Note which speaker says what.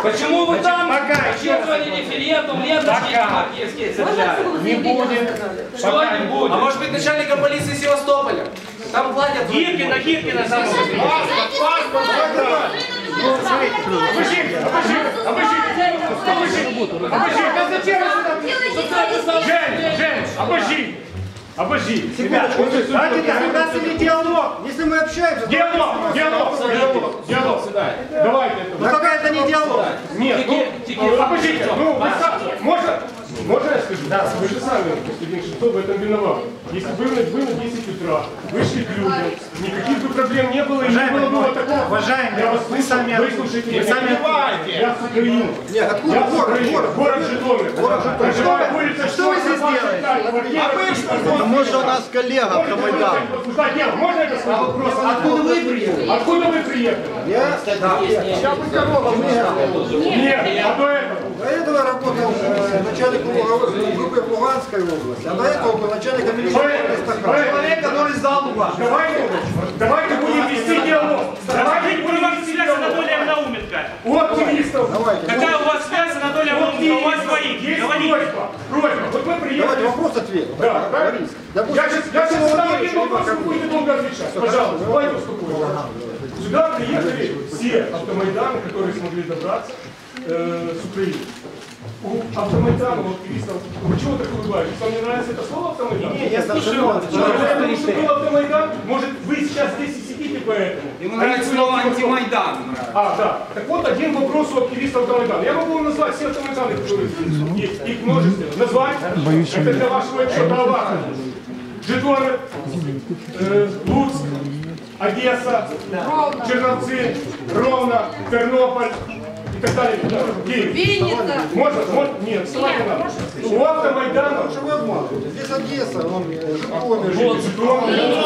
Speaker 1: Почему вы там участвовали референдум, ленточки маркетские собирали?
Speaker 2: Не будет.
Speaker 1: Что не будет?
Speaker 3: А может быть начальника полиции Севастополя? Там платят.
Speaker 1: Гиркина там.
Speaker 2: Паспорт, обожди. Ребята, у нас или диалог. Если мы общаемся, диалог. Давайте. Ну пока это не диалог. Нет, обождите. Можно я скажу? Да, вы же сами, господин Шестов, в этом виноват. Если бы вы на 10 утра вышли к людям, никаких бы проблем не было, и не было бы такого. Уважаемые, вы сами выслушайте. Вы сами я с Украины. Нет, откуда город Житомир. Что вы здесь делаете?
Speaker 4: Может, у нас коллега Автомайдан.
Speaker 2: Можно это сказать? Вопрос. Откуда вы приехали? Откуда вы приехали? Я бы корова выехал. Нет, а до этого? До этого работал начальником группы в Луганской области, а до этого был начальником человек, который сдал Луганск. Давайте будем вести диалог. Давайте будем вести диалог.
Speaker 5: Анатолия Науменко.
Speaker 2: У активистов.
Speaker 5: Какая у вас связь, Анатолий Науменко? У вас своих.
Speaker 2: Есть просьба. Вот мы приехали.
Speaker 6: Давайте вопрос ответ.
Speaker 2: Да, я сейчас задам один вопрос, вы будете долго отвечать. Пожалуйста, давайте успокоимся. Сюда приехали все автомайданы, которые смогли добраться с Украины. У Автомайдана, у активистов, почему так улыбаетесь? Вам не нравится это слово Автомайдан?
Speaker 6: Нет, я слушаю вас.
Speaker 2: Потому что был Автомайдан, может вы сейчас здесь и сидите поэтому.
Speaker 3: Ему нравится слово антимайдан.
Speaker 2: А, да. Так вот, один вопрос у активистов Автомайдана. Я могу вам назвать все Автомайданы, которые есть, их множество. Назвать, это для вашего права. Житомир, Луцк, Одесса, Черновцы, Ровно, Тернополь. И так далее.
Speaker 7: Винница.
Speaker 2: Можно? Нет, вставать не надо. У Автомайдана.
Speaker 6: Что вы обманываете? Здесь Одесса, он Житомир.